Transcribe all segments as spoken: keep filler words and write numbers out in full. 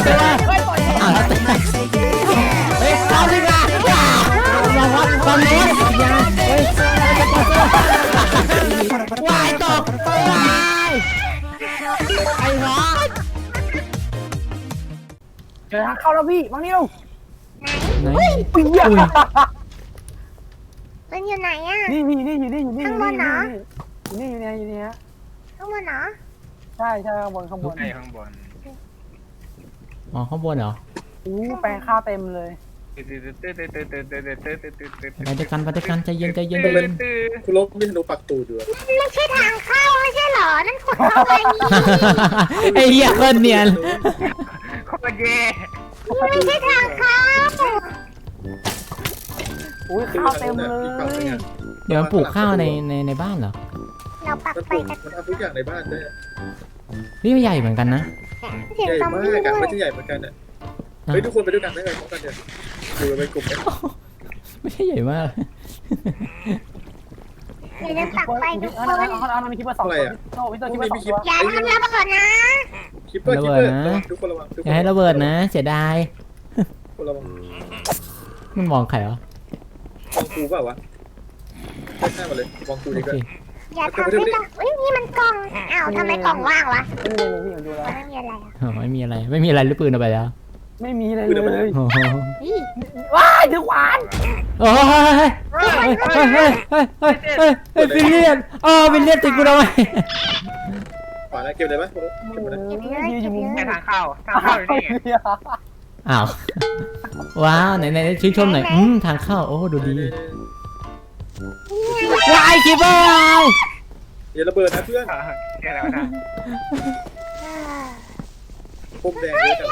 เต้อ้าวเต้เฮ้ยเอาดิค่ะลองวัดความโน้นยังเฮ้ยวายตกวายไอ้หรอเจอทางเข้าแล้วพี่บางนิ้วไหนปี๊ยมันอยู่ไหนอ่ะนี่นี่นี่อยู่นี่อยู่นี่อยู่นี่อยู่นี่อยู่นี่อยู่นี่ฮะข้างบนเหรอใช่ใช่ข้างบนข้างบนข้างบนอ๋อข้างบนเหรออู้แปลงข้าวเต็มเลยไปด้วยกันไปด้วยกันใจเย็นใจเย็นใจเย็นคุณลบไม่ทะลุปักตูดด้วยไม่ใช่ทางเข้าไม่ใช่เหรอนั่นขุดเข้าไปนี่ไอ้เหี้ยคนเนียนโคตรเย่ไม่ใช่ทางเข้าอุ้ยข้าวเต็มเลยเดี๋ยวมันปลูกข้าวในในในบ้านเหรอเราปักไปกันมันทำทุกอย่างในบ้านด้วยนี่ใหญ่เหมือนกันนะเสียงใหญ่ซอมมาบี้กด้อะวยไม่ใช่ใหญ่เหมือนกันอ่ะเฮ้ยทุกคนไปด้วยกันได้เลยพร้อมกันเดี๋ยวดูเป็นกลุ่มกันไม่ใช่ใหญ่มากเดี๋ยวปักไปทุกคนเอาเอาเอามีคลิปมาสองตัวพี่ตัวคลิปมาสองตัวอย่าทำระเบิดนะคลิปเปอร์คลิปเปอร์ทุกคนระวังอย่าให้ระเบิดนะเสียดายคนระวังมันมองใครวะมองกูเปล่าวะไม่ใช่มาเลยมองกูดีกว่าอย่าทำให้ต้องเฮ้ยนี่มันกล่องอ้าวทำไมกล่องว่างวะไม่มีเลยพี่ผมดูแล้วไม่มีอะไรอ่ะไม่มีอะไรไม่มีอะไรหรือปืนเอาไปแล้วไม่มีเลยเลยว้ายถือขวานโอ้ยเฮ้ยเฮ้ยเฮ้ยเฮ้ยเฮ้ยเฮ้ยเฮ้ยวิลเลียนอ๋อวิลเลียนติดกูทำไมขวานเก็บเลยปะเก็บเลยอยู่มุมทางเข้าทางเข้าอยู่นี่อ้าวว้าวไหนไหนชื่นชมหน่อยอืมทางเข้าโอ้ดูดีวายคิปเปอร์อย่าระเบิดนะเพื่อนแค่แล้วนะปุ่มแดงเลยกัน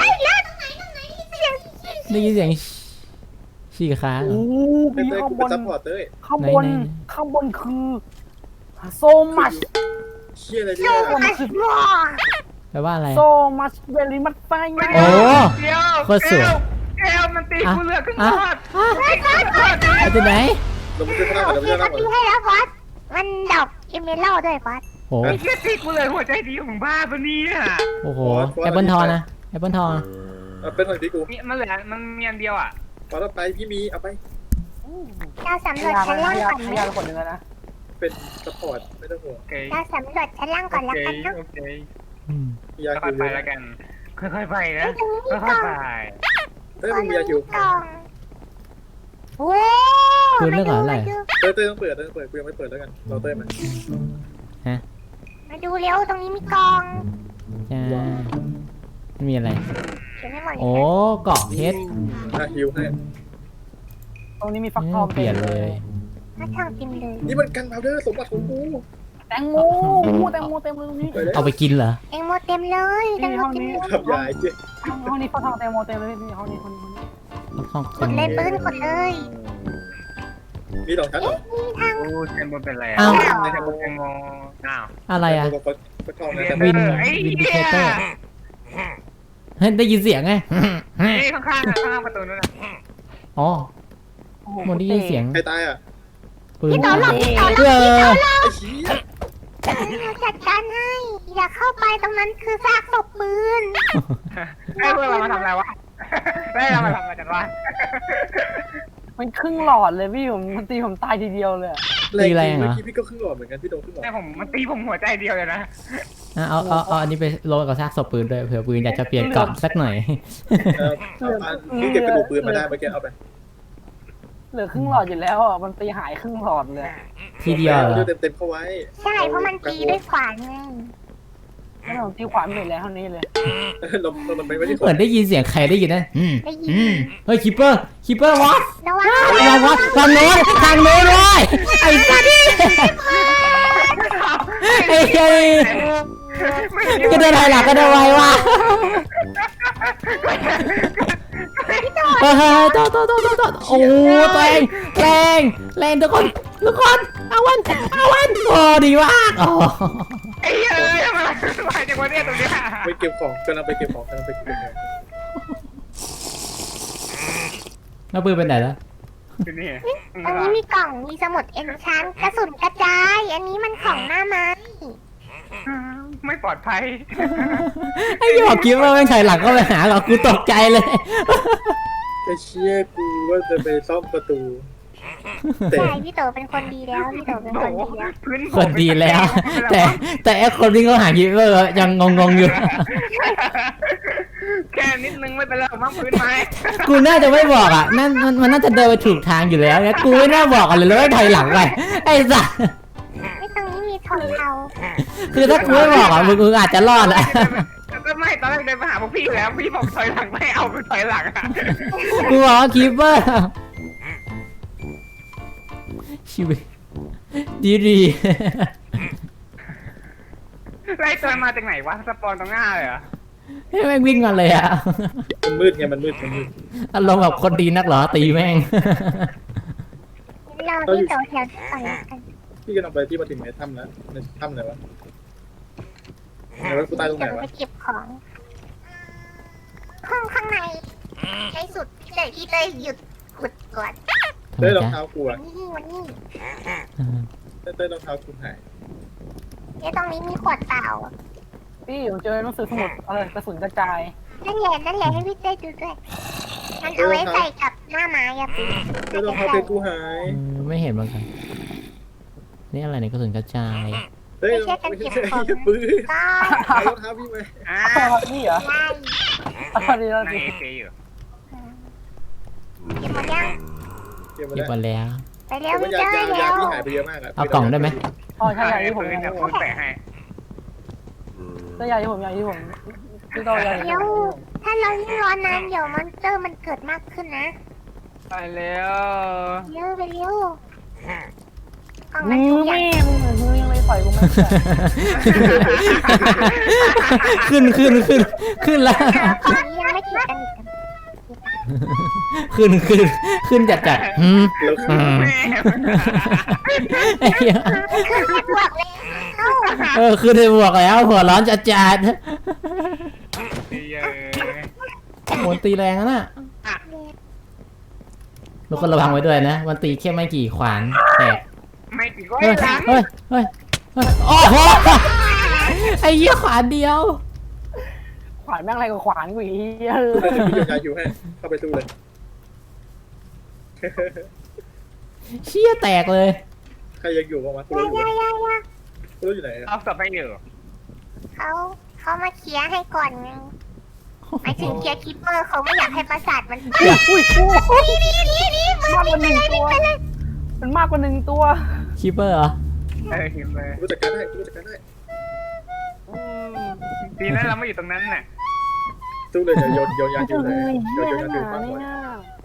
ได้ยินเสียงฉี่ขาโอ้เป็นเต้ยข้างกูบเป็นนซัพพอร์ตเต้ยข้างบนข้างบนคือโซมัชเชี่ยอะไรเนี่ยแปลว่าอะไรโซมัชเวลิมัตไฟไงโอ้โคตรสวยแก้วมันตีกูเลือดขึ้นมาเอาจากไหนเราไม่ใช่ข้างหน้าเราไม่ใช่ข้างหน้าตีให้แล้วฟอสมันดอกเอเมอรัลด้วยฟอสโอ้ยตีกูเลยหัวใจดีของบ้าปะเนี่ยโอ้โหแอปเปิลทองนะแอปเปิลทองเป็นของที่กูมันเหลือมันมีอันเดียวอ่ะพอเราไปพี่มีเอาไปเราสำรวจชั้นล่างก่อนไหมเราคนหนึ่งนะเป็นซัพพอร์ตไม่ต้องห่วงเราสำรวจชั้นล่างก่อนแล้วกันนะยาค่อยไปแล้วกันค่อยๆไปนะค่อยๆไปเต้ยมึงมียาคิวโอ้ปืนเรื่องอะไรเต้ยเต้ยต้องเปิดเต้ยต้องเปิดกูยังไม่เปิดแล้วกันเราเต้ยมันฮะมาดูเร็วตรงนี้มีกล่องจ้าไม่มีอะไรโอ้เกาะเพชรอ่ะฮิวให้ตรงนี้มีฟักทองเปลี่ยนเลยฟักทองเต็มเลยนี่มันกันพาวเดอร์สมบัติของกูแตงโมแตงโมเต็มเลยตรงนี้เอาไปกินเหรอแตงโมเต็มเลยแตงโมเต็มเลยขับยายเจ๊ห้องนี้ฟักทองแตงโมเต็มเลยนี่ห้องนี้ห้องนี้ห้องกดเลยปืนกดเลยมีสองชั้นเหรอมีทางโอ้แตงโมเป็นอะไรอ้าวแตงโมแตงโมอ้าวอะไรอ่ะวินวินดิเคเตอร์เฮ้ยได้ยินเสียงไงนี่ข้างข้างข้างประตูนั่นแหละอ๋อมันได้ยินเสียงใครตายอ่ะปืนพี่ต่อหลบพี่ต่อหลบพี่ต่อหลบจัดการให้อย่าเข้าไปตรงนั้นคือซากศพปืนไอ้พวกเรามาทำอะไรวะได้เรามาทำอะไรกันวะมันครึ่งหลอดเลยพี่ผมมันตีผมตายทีเดียวเลยตีแรงเหรอพี่ก็ครึ่งหลอดเหมือนกันพี่โดนครึ่งหลอดแต่ผมมันตีผมหัวใจเดียวเลยนะเอาเอาเอาอันนี้ไปโรยกับซากศพปืนด้วยเผื่อปืนอยากจะเปลี่ยนกล่องสักหน่อยพี่เก็บกระดูกปืนมาได้เมื่อกี้เอาไปเหลือครึ่งหลอดอยู่แล้วอ่ะมันตีหายครึ่งหลอดเลยทีเดียวเหรอเต็มเต็มเข้าไว้ใช่เพราะมันตีด้วยขวานไงถ้าเราตีขวานไม่แล้วเท่านี้เลยเราเราไม่ได้เหมือนได้ยินเสียงใครได้ยินนะได้ยินเฮ้ยคิปเปอร์คิปเปอร์วะระวังระวังทางโน้นทางโน้นเลยไอ้สัตว์ไอ้เฮ้ยก็เดินถอยหลังก็ได้ไววะเฮ้ยโตโตโตโตโตโอ้แรงแรงแรงทุกคนทุกคนเอาวันเอาวันโอ้ดีมากอ๋อไอ้เอ้ยมาไปจากวันนี้ตรงนี้ไปเก็บของกำลังไปเก็บของกำลังไปเก็บของแล้วปืนเป็นไหนแล้วนี่อันนี้มีกล่องมีสมุดเอ็นชานกระสุนกระจายอันนี้มันของหน้าไม้ไม่ปลอดภัยไอ้หยอกคิดว่าไม่ถอยหลังก็ไปหาหรอกกูตกใจเลยไอ้เชี่ยกูว่าจะไปซ่อมประตูแต่ใช่พี่โตเป็นคนดีแล้วพี่โตเป็นโอ้คนโหดีแล้วพื้นคนดีแล้ว แต่แต่ไอ้คนที่เขาหาคิดว่ายังงงๆอยู่แค่นิดนึงไม่เป็นไรผมว่าพื้นไม้กูน่าจะไม่บอกอ่ะนั่นมันมันน่าจะเดินไปถูกทางอยู่แล้วเนี่ยกูไม่น่าบอกกันเลยแล้วไม่ถอยหลังไปไอ้สัสไม่ตรงนี้มีทองเทาคือถ้ากูไม่บอกอ่ะมึงมึงอาจจะรอดแหละก็ไม่ตอนแรกเดินไปหาพวกพี่อยู่แล้วพี่บอกถอยหลังไม่เอาไปถอยหลังอะกูบอกว่าคีเปอร์ชีวิตดีดีไล่ตัวมาจากไหนวะสปอนตรงหน้าเลยเหรอให้แม่งวิ่งกันเลยอ่ะมันมืดไงมันมืดมันมืดอารมณ์แบบคนดีนักเหรอตีแม่งเราพี่โตแถวที่ก่อนแล้วกันพี่กำลังไปที่มาถึงในถ้ำแล้วในถ้ำไหนวะไหนวะกูตายตรงไหนเดี๋ยววะไปเก็บของ ห้องข้างในในสุดพี่เตยพี่เตยหยุดขุดก่อนทำไมเต้ยรองจ๊ะเท้ากูวัอะนนี้วันนี้เต้ยเต้ยรองเท้ากูหายเดี๋ยวตรงนี้มีขวดเปล่าพี่ผมเจอหนังสือสมุดเออกระสุนกระจายนั่นแหละนั่นแหละให้พี่เต้ยดูด้วยมันเอาไว้ใส่กับหน้าไม้อะพี่เต้ยรองเท้าเพชรกูหายเออไม่เห็นเหมือนกันนี่อะไรเนี่ยกระสุนกระจายเต้ยรองเท้าไม่ใช่ปืนก็เอารองเท้าพี่มาอ่าอ้าวนี่เหรอไล่อ้าวนี่แล้วในสิเอฟอยู่เก็บหมดยังเก็บมาเก็บแล้วมาแล้วไปเร็วแต่พี่ว่าเต้ยาย ยาเร็ยาว พี่หายไปเยอะมากอะเอากล่องได้ไหมอ๋อใช่ใช่ในที่ผมพื้นใช่เดี๋ยวผมแปะให้ใช่ใหญ่ที่ผมใหญ่ที่ผมพี่โตใหญ่ที่เดี๋ยวผมถ้าเรายิ่งรอนานเดี๋ยวมอนสเตอร์มันเกิดมากขึ้นนะไปแล้วเร็วไปเร็วกล่องมืมันอทุกอแม่ย่างมึงมือยังไม่ต่อยกูไม่ได้ขึ้นขึ้นขึ้นขึ้นแล้วกล่องนี้ยังไม่ติดกันอีกขึ้นขึ้นขึ้นจัดจัดหืมแล้วคืออืมแม่ไอ้เหี้ยคือไม่บวกเลยเอ้าเออขึ้นไปบวกแล้วหัวร้อนจัดจัดดีเยอะโหตีแรงนะน่ะทุกคนระวังไว้ด้วยนะมันตีแค่ไม่กี่ขวานแตกไม่ติดก็เฮ้ยหลังเฮ้ยเฮ้ยเฮ้ยโอ้โหไอ้เหี้ยขวานเดียวขวานแม่งอะไรกับขวานกูอีกตู้เลยพี่โยนยาคิวให้เข้าไปตู้เลยเชี่ยแตกเลยใครยังอยู่บ้างวะกูยารู้อยู่ยายายากูรู้อยู่ไหนอะเอาสับไปอยู่เขาเขามาเคลียร์ให้ก่อนไงหมายถึงเคลียร์คิปเปอร์เขาไม่อยากให้ประสาทมันอุ้ยอุ้ยอุ้ยนี่นี่นี่มือมากกวิ่ว่าง หไปนึ่งเลยตัวิ่วงไปเลยมันมากกว่าหนึ่งตัวคีเปอร์เหรอเออหิมเลยกูจัดการได้กูจัดการได้ดีนะเราไม่อยู่ตรงนั้นน่ะตู้เลยเดี๋ยวโยนโยนยาคิวเลยเฮ้โยยนโยนเหี้ยยาหคิวนา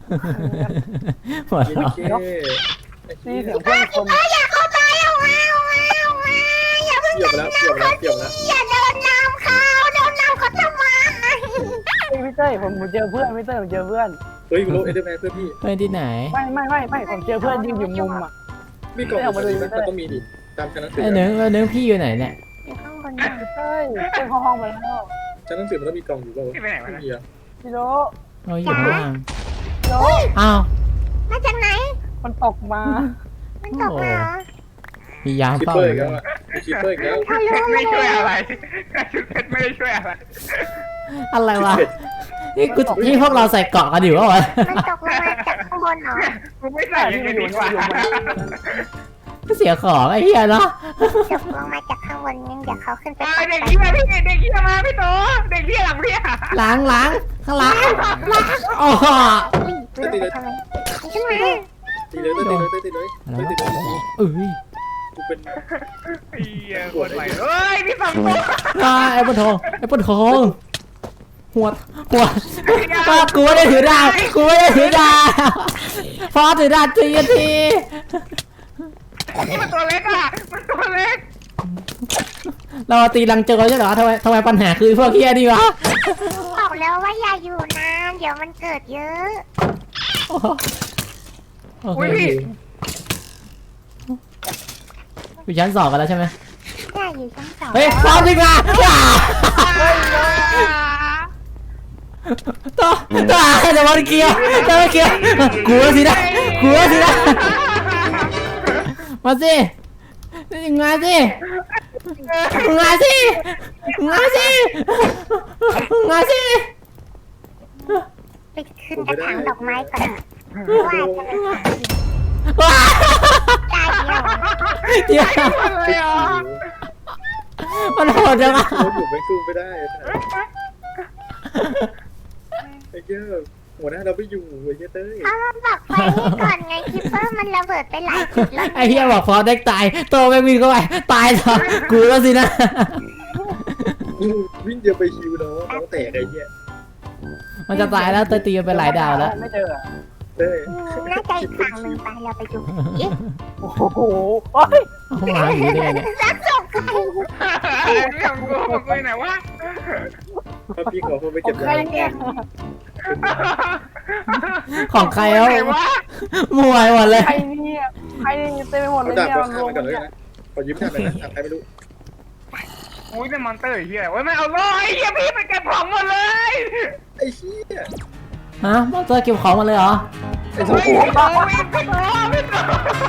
ฟังเนี่ก่อนยหัวเราะโอเคนี่เสียงเพื่อนคนเอออย่าเข้าไปเอามาเอามาเอามาอย่าเพิ่งเกี่ยวไปแล้วเกี่ยวไปแล้วเกี่ยวไปแล้วอย่าเดินนำเขาเดินนำเขาทำไมพี่เต้ยผมผมเจอเพื่อนพี่เต้ยผมเจอเพื่อนเฮ้ยกูรู้เอเดอร์แมนเพื่อนพี่เฮ้ยที่ไหนไม่ไม่ไม่ไม่ผมเจอเพื่อนยืนอยู่มุมอ่ะมีกล่องอยู่ตรงนี้ไหมมันต้องมีดิตามชั้นหนังสือไอ้เนื้อเนื้อพี่อยู่ไหนเนี่ยอยู่ข้างบนน่ะพี่เต้ยเต้ยเข้าห้องไปแล้วชั้นหนังสือมันต้องมีกล่องอยู่เปล่าวะที่ไปไหนวะไม่นะมีอะพี่โดเราอยู่ข้างล่างพี่โดอ้าวมาจากไหนมันตกมามันตกมาเหรอมียามคิปเฝ้าเปออร์อียู่กแล้วอะมีคิปเปอร์อีกแล้วทะลุไม่เลช่วยยอะไรชุดเพชรไม่ได้ช่วยอะไรอะไรวะนี่กูนี่พวกเราใส่เกาะกันอยู่วะวะมันตกลงมาจากข้างบนเหรอกูไม่ใส่ยังไงดีกว่าเสียของไอ้เหี้ยเนาะตกลงมาจากข้างบนงั้นเดี๋ยวเขาขึ้นไปเด็กเหี้ยพี่เด็กเหี้ยมาพี่โตเด็กเหี้ยหลังพี่ล้างล้างข้างล้างล้างอ๋ออุ้ยเดินไปทำไมขึ้นมาตีเลยตีเลยตีเลยอะไรตีวะเลยเอ้ยกูเป็นเหี้ยปวดไหลเฮ้ยพี่สองตัวอ่าไอ้ปนทองไอ้ปนทองหัวหัวก็กูไม่ได้ถือดาบกูไม่ได้ถือดาบพอถือดาบทีทีมันตัวเล็กอ่ะมันตัวเล็กเราตีลังเจอใช่เหรอทำไมทำไมปัญหาคือพวกเฮียดีวะบอกแล้วว่าอย่าอยู่นานเดี๋ยวมันเกิดเยอะโอ้โหโอเคอยู่ชั้นสองกันแล้วใช่ไหมอย่าอยู่ชั้นสองเฮ้ยพร้อมดีกว่าต่อต่อแต่วันเกียวแต่วันเกียวกลัวสินะกลัวสินะมาสิมาสิงาสิงาสิงาสิไปขึ้นกระถางดอกไม้ก่อนว่าจะไปว้าตายเดียวเดี๋ยวอะไรอ่ะมันโหดจังอะเขาอยู่ไม่กู้ไม่ได้ไอ้เจ้าหัวหน้าเราไม่อยู่ไอ้เจ้าเต้ยเขามาบอกไฟให้ก่อนไงคิปเปอร์มันระเบิดไปหลายจุดแล้วไอ้เหี้ยบอกพอเด็กตายโตแม่งวิ่งเข้าไปตายเหรอกูแล้วสินะวิ่งเดียวไปฮิวน้องน้องแตกไอ้เหี้ยมันจะตายแล้วเตยตีมันไปหลายดาวแล้วไม่เจอเต้ยน่าจะอีกทางหนึ่งไปเราไปดูผีโอ้โหโอ้ยเอาหมาอยู่ได้ไงเนี่ยรักศพใครของกูของกูไหนวะถ้าพี่ขอเขาไปขอเก็งบใครยาเนี่ยของใครเอาไหนวะมวยหมดเลยใครเนี่ยใครเนี่ยเต็มไปหมดเลเขายด่าเนี่ยเขารฆ่าวมมันก่อนเลยเนี่ยนะขอยิ้มหน้าหน่อยนะใครไม่รู้อุ้ยนี่มอนเตอร์เฮียโอ้ยไม่เอาเลยเฮียพี่ไปเก็บของหมดเลยไอ้เหี้ยฮะมอนเตอร์เก็บของมาเลยเหรอไอ้โอ้โถ่ยโอ้ยพี่โตพี่โต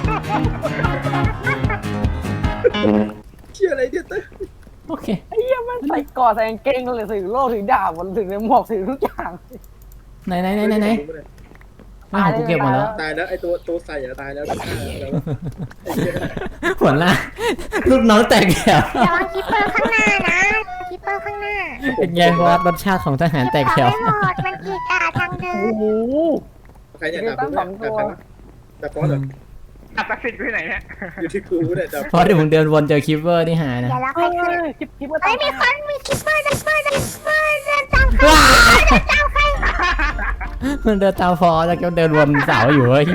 เชี่ยอะไรเนี่ยเต้ยโอเคไอ้เหี้ยมันใส่กอดใส่กางเกงเลยถือโล่ถือดาบถือในหมวกถือทุกอย่างไหนไหนไหนไหนไหนไม่ของกูเก็บหมดแล้วตายแล้วไอ้ตัวตัวใส่อะตายแล้วตายแล้วไอ้เหี้ยหัวหน้าลูกน้องแตกแถวระวังคิปเปอร์ข้างหน้านะคิปเปอร์ข้างหน้าเป็นไงว่ารสชาติของทหารแตกแถวไม่หมดมันกีกาทางเดิโอ้นโหใครเนี่ยด่าผมเนี่ยด่าใครวะด่าฟอสเหรออัตสิทธิ์ที่ไหนเนี่ยอยู่ที่กูเนี่ยด่าเพราะเดี๋ยวมึงเดินวนเจอคิปเปอร์ที่หายนะเดี๋ยวเราไปเฮ้ขึ้นยคลิปคลิปมาเฮ้ยตามมีคนมีคิปเปอร์คิปเปอร์คิปเปอร์เดินตามใครว้าเดินตามใครมันเดินตามฟอแล้วก็เดินวนเสาอยู่เฮ้ย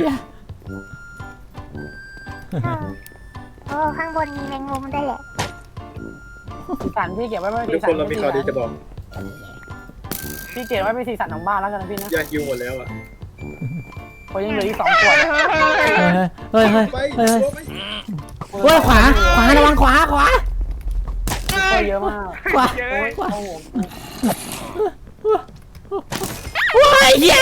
โอ้ข้างบนมีแมงมุมด้วยแหละสีสันพี่เก็บไว้ไม่ทุสีกสัคน นเรามีข่าวดีจะบอกพี่เก็บไว้เป็นสีสันของบ้านแล้วกันนะพี่นะยาฮิวหมดแล้วอ่ะเพราะยังเหลืออีกสองขวดเฮ้ยเฮ้ยไปเฮ้ยชัวร์ไหมเฮ้ยขวาขวาระวังขวาขวาก็เยอะมากขวาเยอะโอ้ยโอ้โหว้ายเย้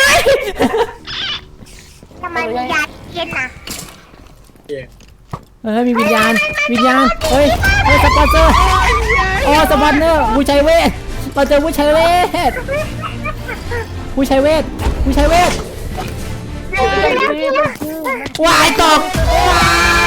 ทำไมมียาเย็นน่ะเย้เฮ้ยมีวิญญาณวิญญาณเฮ้ยเฮ้ยสปอนเซอร์โอ้สปอนเซอร์ผู้ชัยเวทเราเจอผู้ชัยเวทผู้ชัยเวทผู้ชัยเวทวายตกวาย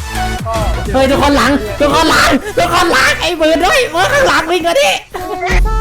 เฮ้ยทุกคนหลังทุกคนหลังทุกคนหลังไอ้มือด้วยมือข้างหลังวิ่งกันดิเ